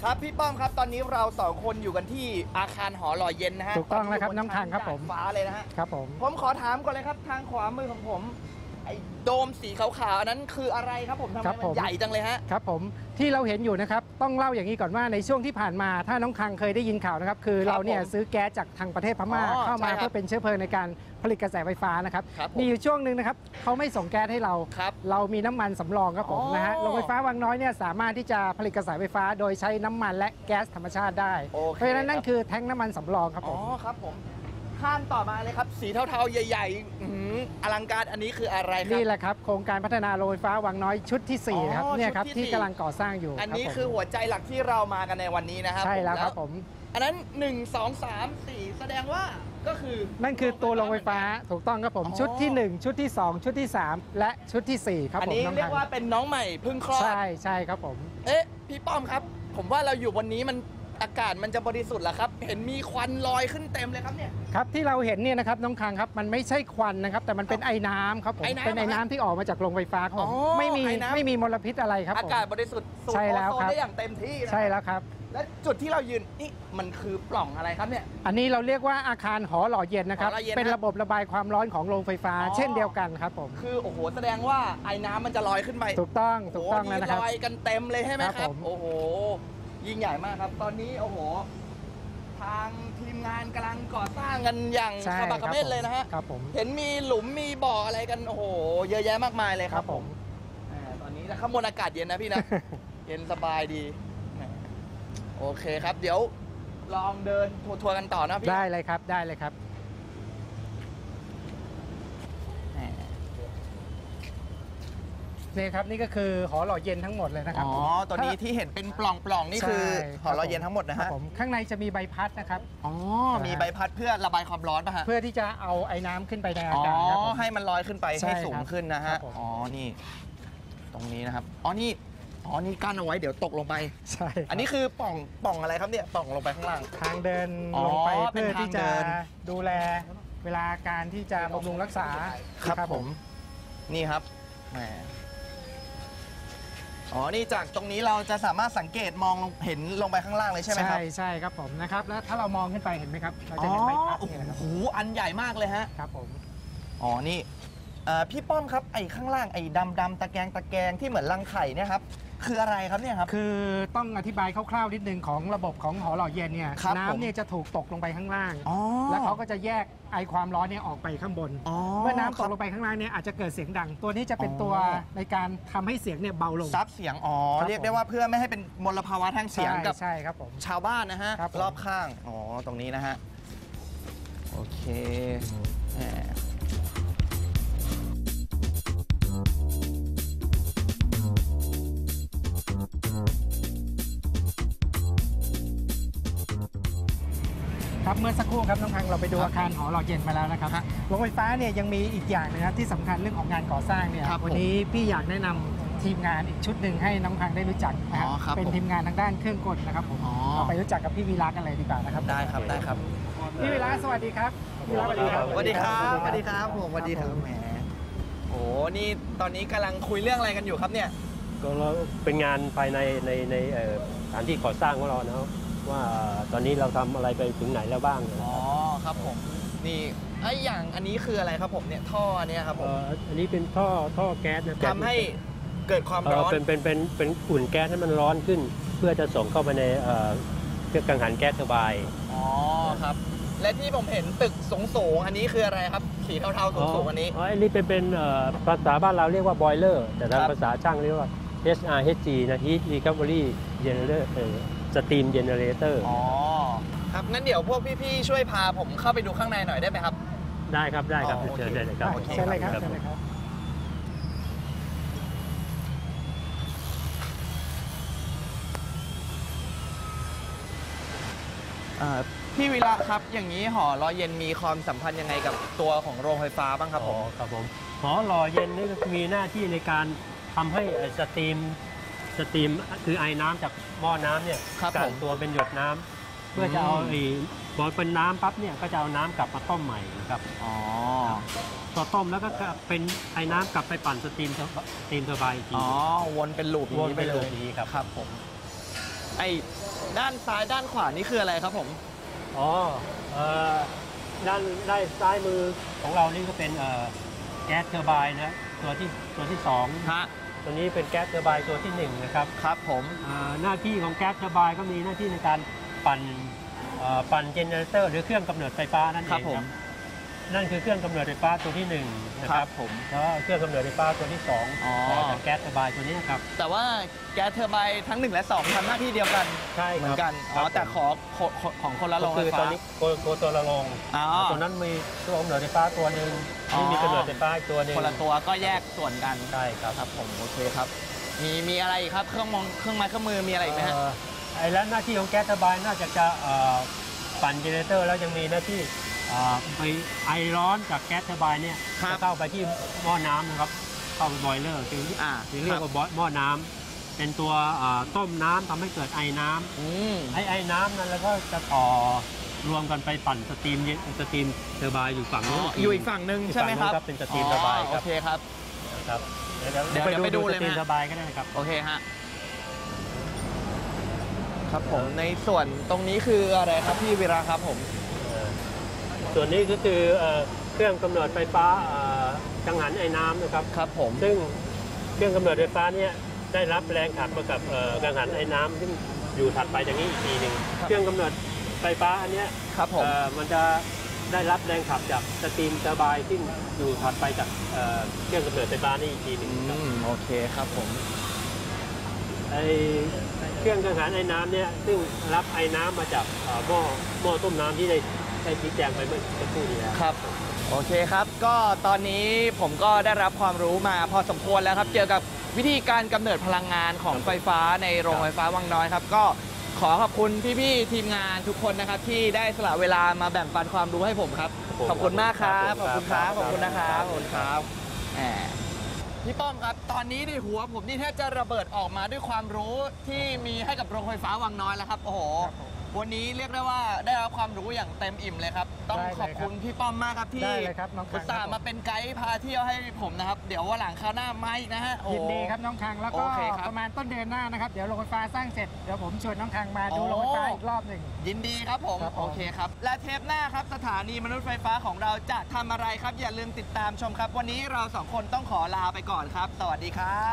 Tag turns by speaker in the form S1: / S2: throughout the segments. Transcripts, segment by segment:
S1: ครับพี่ป้อมครับตอนนี้เรา2 คนอยู่กันที่อาคารหอหล่อเย็นนะฮะ
S2: ถูกต้องแล้วครับน้องทางครับผม
S1: ฟ้าเลยนะฮะ
S2: ครับ
S1: ผมขอถามก่อนเลยครับทางขวามือของผมไอ้โดมสีขาวๆอันนั้นคืออะไรครับผมทำไมมันใหญ่จังเลยฮะ
S2: ครับผมที่เราเห็นอยู่นะครับต้องเล่าอย่างนี้ก่อนว่าในช่วงที่ผ่านมาถ้าน้องคังเคยได้ยินข่าวนะครับคือเราเนี่ยซื้อแก๊สจากทางประเทศพม่าเข้ามาเพื่อเป็นเชื้อเพลิงในการผลิตกระแสไฟฟ้านะครับมีอยู่ช่วงหนึ่งนะครับเขาไม่ส่งแก๊สให้เรามีน้ำมันสำรองครับผมนะฮะโรงไฟฟ้าวังน้อยเนี่ยสามารถที่จะผลิตกระแสไฟฟ้าโดยใช้น้ำมันและแก๊สธรรมชาติได้เพราะฉะนั้นนั่นคือแท้งน้ำมันสำรองครับผม
S1: ครับผมข้ามต่อมาเลยครับสีเทาๆใหญ่ๆอลังการอันนี้คืออะไรครับ
S2: นี่แหละครับโครงการพัฒนาโรงไฟฟ้าวังน้อยชุดที่4ครับเนี่ยครับที่กำลังก่อสร้างอยู่
S1: อันนี้คือหัวใจหลักที่เรามากันในวันนี้นะครับ
S2: ใช่แล้วครับผม
S1: อันนั้น1 2 3 4แสดงว่าก็คือ
S2: นั่นคือตัวโรงไฟฟ้าถูกต้องครับผมชุดที่1ชุดที่2ชุดที่3และชุดที่4ครับผม
S1: อันนี้เรียกว่าเป็นน้องใหม่เพิ่งคลอด
S2: ใช่ครับผม
S1: พี่ป้อมครับผมว่าเราอยู่วันนี้มันอากาศมันจะบริสุทธิ์เหรอครับเห็นมีควันลอยขึ้นเต็มเลยครับเนี่ย
S2: ครับที่เราเห็นเนี่ยนะครับน้องคังครับมันไม่ใช่ควันนะครับแต่มันเป็นไอ้น้ำครับผมเป็นไอ้น้ำที่ออกมาจากโรงไฟฟ้าครับผมไม่มีมลพิษอะไรครับ
S1: อากาศบริสุทธิ์สูดโอโซนได้อย่างเต็มที่
S2: ใช่แล้วครับ
S1: และจุดที่เรายืนนี่มันคือปล่องอะไรครับเนี่ย
S2: อันนี้เราเรียกว่าอาคารหอหล่อเย็นนะครับเป็นระบบระบายความร้อนของโรงไฟฟ้าเช่นเดียวกันครับผม
S1: คือโอ้โหแสดงว่าไอ้น้ำมันจะลอยขึ้นไป
S2: ถูกต้องแล้วนะครับ
S1: ลอยกันเต็มเลยใช่ไหมครับโอ้โหยิ่งใหญ่มากครับตอนนี้โอ้โหทางทีมงานกำลังก่อสร้างกันอย่างขมักเขม้นเลยนะฮะ
S2: ครับผม
S1: เห็นมีหลุมมีบ่ออะไรกันโอ้โหเยอะแยะมากมายเลยครับผมตอนนี้ข้างบนอากาศเย็นนะพี่นะ เย็นสบายดีโอเคครับเดี๋ยวลองเดินทัวร์กันต่อนะพี่
S2: ได้เลยครับนี่ครับนี่ก็คือหอหล่อเย็นทั้งหมดเลยนะครับ
S1: ตอนนี้ที่เห็นเป็นปล่องนี่คือหอหล่อเย็นทั้งหมดนะฮะ
S2: ข้างในจะมีใบพัดนะครับ
S1: มีใบพัดเพื่อระบายความร้อนป่ะฮะ
S2: เพื่อที่จะเอาไอ้น้ำขึ้นไปในอากาศครับ
S1: ให้มันลอยขึ้นไปให้สูงขึ้นนะฮะนี่ตรงนี้นะครับนี่กั้นเอาไว้เดี๋ยวตกลงไป
S2: ใช่
S1: อันนี้คือปล่องอะไรครับเนี่ยปล่องลงไปข้างล่าง
S2: ทางเดินลงไปเพื่อที่จะดูแลเวลาการที่จะบำรุงรักษา
S1: ครับผมนี่ครับแหมนี่จากตรงนี้เราจะสามารถสังเกตมองเห็นลงไปข้างล่างเลยใช่ไหมครับ
S2: ใช่ครับผมนะครับแล้วถ้าเรามองขึ้นไปเห็นไหมครับเราจะเห็นใบพัดนี่นะครับ
S1: โอ้โหอันใหญ่มากเลยฮะ
S2: ครับผม
S1: นี่พี่ป้อมครับไอ้ข้างล่างไอ้ดำตะแกรงที่เหมือนรังไข่เนี่ยครับคืออะไรครับเนี่ยครับ
S2: คือต้องอธิบายคร่าวๆนิดนึงของระบบของหอหล่อเย็นเนี่ยน้ำเนี่ยจะถูกตกลงไปข้างล่างแล้วเขาก็จะแยกไอความร้อนเนี่ยออกไปข้างบนเมื่อน้ำตกลงไปข้างล่างเนี่ยอาจจะเกิดเสียงดังตัวนี้จะเป็นตัวในการทำให้เสียงเนี่ยเบาลง
S1: ซับเสียงเรียกได้ว่าเพื่อไม่ให้เป็นมลภาวะทางเสียงกับ
S2: ใช่ครับผม
S1: ชาวบ้านนะฮะรอบข้างตรงนี้นะฮะโอเค
S2: ครับเมื่อสักครู่ครับน้องพังเราไปดูอาคารหอหล่อเย็นมาแล้วนะครับโรงไฟฟ้าเนี่ยยังมีอีกอย่างนึงครับที่สำคัญเรื่องของงานก่อสร้างเนี่ยวันนี้พี่อยากแนะนำทีมงานอีกชุดหนึ่งให้น้องพังได้รู้จักนะครับเป็นทีมงานทางด้านเครื่องกลนะครับผมเราไปรู้จักกับพี่วีระกันเลยดีกว่านะครับ
S1: ได้ครับ
S2: พี่วีระสวัสดีครับ
S1: พี่วีระสวัสดีครับสวัสดีครับผมสวัสดีครับแหมนี่ตอนนี้กำลังคุยเรื่องอะไรกันอยู่ครับเนี่ย
S3: ก็เราเป็นงานภายในสถานที่ก่อสร้างของเรานะว่าตอนนี้เราทำอะไรไปถึงไหนแล้วบ้าง
S1: ครับผมนี่อย่างอันนี้คืออะไรครับผมเนี่ยท่อเนี่ยครับผม
S3: อันนี้เป็นท่อแก๊สนะ
S1: ทำให้เกิดความร้อน
S3: เป็นอุ่นแก๊สให้มันร้อนขึ้นเพื่อจะส่งเข้าไปในเครื่องกังหันแก๊สระบาย
S1: ครับและที่ผมเห็นตึกสูงอันนี้คืออะไรครับสีเทาๆสูงอันนี้
S3: อันนี้เป็นภาษาบ้านเราเรียกว่าบอยเลอร์แต่ทางภาษาช่างเรียกว่า HRHG นะ Heat Recovery Generatorสตรีมเจเนเรเตอร์
S1: ครับงั้นเดี๋ยวพวกพี่ๆช่วยพาผมเข้าไปดูข้างในหน่อยได้ไหมครับ
S3: ได้ครับเชิญเลยครับ
S2: เชิญเลยครับ
S1: พี่วิระครับอย่างนี้หอหล่อเย็นมีความสัมพันธ์ยังไงกับตัวของโรงไฟฟ้าบ้างครับผม
S3: ครับผมหอหล่อเย็นนี่ก็มีหน้าที่ในการทำให้สตรีมคือไอ้น้ำจากหม้อน้ำเนี่ยกันตัวเป็นหยดน้ำเพื่อจะเอาบอลเป็นน้ำปั๊บเนี่ยก็จะเอาน้ำกลับมาต้มใหม่นะครับพอต้มแล้วก็เป็นไอ้น้ำกลับไปปั่นสตรีมเทอร์ไบน์อีกที
S1: วนเป็นลูป
S3: นี้ไปเลยนี้ครับ
S1: ผมไอ้ด้านซ้ายด้านขวานี่คืออะไรครับผม
S3: อ๋อด้านซ้ายมือของเรานี่ก็เป็นแก๊สเทอร์ไบน์นะตัวที่2
S1: ฮะ
S3: ตัวนี้เป็นแก๊สเทอร์ไบน์ตัวที่1นะครับ
S1: ครับผม
S3: หน้าที่ของแก๊สเทอร์ไบน์ก็มีหน้าที่ในการปั่นเจเนเรเตอร์หรือเครื่องกำเนิดไฟฟ้านั่นเอง
S1: ครับผม
S3: นั่นคือเครื่องกำเนิดไฟฟ้าตัวที่1นะครับ
S1: ผม
S3: แล้วเครื่องกำเนิดไฟฟ้าตัวที่
S1: อ๋อ
S3: 2จากแก๊สเทอร์ไบน์ตัวนี้ครับ
S1: แต่ว่าแก๊สเทอร์ไบน์ทั้ง 1 และ 2ทำหน้าที่เดียวกัน
S3: ใช่
S1: เหมื
S3: ค
S1: อ
S3: รับ
S1: นกัน อ๋อ แต่ของคนละโรงไฟ
S3: คือต
S1: ฟ้า
S3: อนนี้ตัวละโรง
S1: อ๋อ
S3: ตัวนั้นมีตัวกำเนิดไฟฟ้าตัวหนึ่ง
S1: อ๋อ
S3: นี่มีกำเนิดไฟฟ้าอีกตัวหนึ่ง
S1: คนละตัวก็แยกส่วนกัน
S3: ใช่ครับ
S1: ครับผม โอเคครับ มีอะไรอีกครับ เครื่องไม้เครื่องมือมีอะไรอีกไหมฮะ
S3: ไอ้แล้วหน้าที่ของแก๊สเทอร์ไบน์น่าจะปั่นเจเนเรเตอร์แล้วยังมีหน้าที่ไปไอร้อนจากแก๊สเทอร์ไบน์เนี่ย
S1: ครับ
S3: จะเข้าไปที่หม้อน้ำนะครับเข้าไปบอยเลอร์คือเรียกว่าหม้อน้ำเป็นตัวต้มน้ำทำให้เกิดไอน้ำ
S1: อืม
S3: ไอน้ำนั้นแล้วก็จะรวมกันไปปั่นสตรีมเทอร์ไบน์อยู่ฝั่งนู้น
S1: อยู่อีกฝั่งหนึ่งใช่ไหมครับ
S3: เป็นสตรีมเทอร์ไบน์
S1: โอ
S3: ครับ
S1: เคครับ
S3: ครับ
S1: เดี๋ยวไปดูเลย
S3: สตรีม
S1: ไหม
S3: เทอร์ไบน์ก็ได้ครับ
S1: โอเคฮะ ครับผม ในส่วนตรงนี้คืออะไรครับพี่วีระครับผม
S3: ส่วนนี้ก็คือเครื่องกำเนิดไฟฟ้ากังหันไอ้น้ำนะครับ
S1: ครับผม
S3: ซึ่งเครื่องกำเนิดไฟฟ้าเนี่ยได้รับแรงขับมากับกังหันไอ้น้ำซึ่งอยู่ถัดไปจากนี้อีกทีหนึ่งเครื่องกำเนิดไฟฟ้าอันเนี้ย
S1: ครับผม
S3: มันจะได้รับแรงขับจากสตรีมเทอร์ไบน์ซึ่งอยู่ถัดไปจากเครื่องกำเนิดไฟฟ้านี่อีกทีหนึ่งครับ
S1: โอเคครับผม
S3: ไอเครื่องกังหันไอ้น้ำเนี่ยซึ่งรับไอ้น้ำมาจากหม้อต้มน้ำที่ได้ชี้แจงไปเมื่อสักครู่นี้แล้ว
S1: ครับ โอเคครับ ก็ตอนนี้ผมก็ได้รับความรู้มาพอสมควรแล้วครับ เกี่ยวกับวิธีการกำเนิดพลังงานของไฟฟ้าในโรงไฟฟ้าวังน้อยครับ ก็ขอขอบคุณพี่ๆทีมงานทุกคนนะครับ ที่ได้สละเวลามาแบ่งปันความรู้ให้ผมครับ ขอบคุณมากครับ ขอบคุณครับ ขอบคุณนะครับ ขอบคุณครับแหมพี่ป้อมครับ ตอนนี้ในหัวผมนี่แทบจะระเบิดออกมาด้วยความรู้ที่มีให้กับโรงไฟฟ้าวังน้อยแล้วครับ โอ้โห วันนี้เรียกได้ว่าได้รับความรู้อย่างเต็มอิ่มเลยครับ ต้องขอบคุณพี่ป้อมมากครับที่
S2: ได้เลยครับน้องคัง
S1: อุตส่าห์มาเป็นไกด์พาเที่ยวให้ผมนะครับ เดี๋ยววันหลังคราวหน้ามาอีกนะฮะโอ้
S2: ยินดีครับน้องคังแล้วก็
S1: โอเคครับ
S2: ประมาณต้นเดือนหน้านะครับเดี๋ยวโรงไฟฟ้าสร้างเสร็จเดี๋ยวผมชวนน้องคังมาดูโรงไฟฟ้าอีกรอบหนึ่ง
S1: ยินดีครับผม
S2: ครับผม
S1: โอเคครับ และเทปหน้าครับสถานีมนุษย์ไฟฟ้าของเราจะทำอะไรครับ อย่าลืมติดตามชมครับ วันนี้เราสองคนต้องขอลาไปก่อนครับ สวัสดีครับ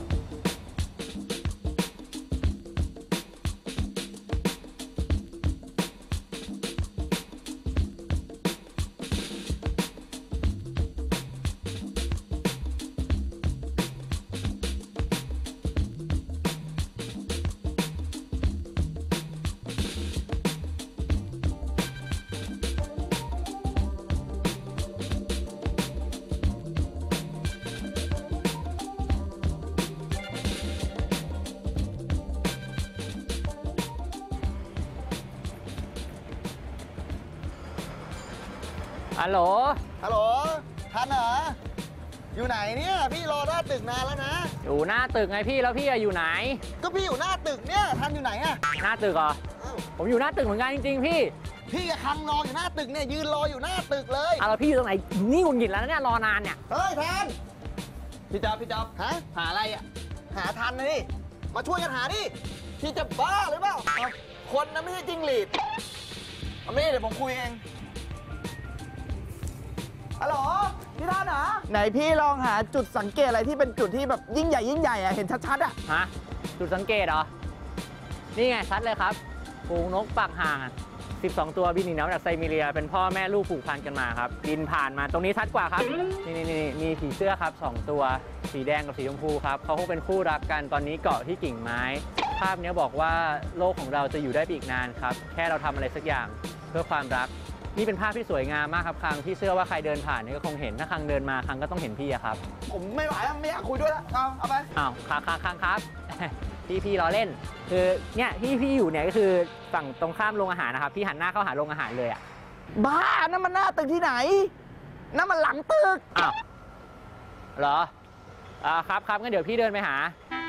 S4: ฮัลโหล
S1: ฮัลโหลทันเหรอ อยู่ไหนเนี่ย พี่รอหน้าตึกนานแล้วนะ
S4: อยู่หน้าตึกไงพี่แล้วพี่อะอยู่ไหน
S1: ก็พี่อยู่หน้าตึกเนี่ย ทันอยู่ไหนอะ
S4: หน้าตึกเหรอ
S1: อ้าว
S4: ผมอยู่หน้าตึกเหมือนกันจริงๆพี่
S1: พี่กับคังรออยู่หน้าตึกเนี่ย ยืนรออยู่หน้าตึกเลย
S4: เอาแล้วพี่อยู่ตรงไหนนี่หงุดหงิดแล้วนะเนี่ยรอนานเนี่ย
S1: เฮ้ยทันพี่จ๊อบฮะ หาอะไรอะหาทันนะนี่มาช่วยกันหาดิ พี่จะบ้าหรือเปล่าเอาคนนะไม่ใช่จิ้งหรีดเอาไม่ได้เดี๋ยวผมคุยเอง ฮัลโหล พี่ท่านเหรอ ไหนพี่ลองหาจุดสังเกตอะไรที่เป็นจุดที่แบบยิ่งใหญ่อะเห็นชัดๆอะ
S4: ฮะจุดสังเกตเหรอ นี่ไงชัดเลยครับฝูงนกปากห่างอะ12 ตัวบินหนีน้ำจากไซบีเรีย เป็นพ่อแม่ลูกผูกพันกันมาครับ บินผ่านมาตรงนี้ชัดกว่าครับ นี่มีผีเสื้อครับ 2 ตัว สีแดงกับสีชมพูครับเขาคงเป็นคู่รักกันตอนนี้เกาะที่กิ่งไม้ ภาพนี้บอกว่าโลกของเราจะอยู่ได้ไปอีกนานครับ แค่เราทำอะไรสักอย่างเพื่อความรัก นี่เป็นภาพที่สวยงามมากครับคังพี่เชื่อว่าใครเดินผ่านนี่ก็คงเห็นถ้าคังเดินมาคังก็ต้องเห็นพี่อะครับ
S1: ผมไม่ไหวแล้วไม่อยากคุยด้วยแล้วเอาไป
S4: อ้าวคังครับ พี่ล้อเล่น คือเนี่ยพี่อยู่เนี่ยก็คือฝั่งตรงข้ามโรงอาหารนะครับพี่หันหน้าเข้าหาโรงอาหารเลยอะ
S1: บ้านั่นมันหน้าตึกที่ไหน นั่นมันหลังตึก
S4: อ้าวเหรอครับงั้นเดี๋ยวพี่เดินไปหา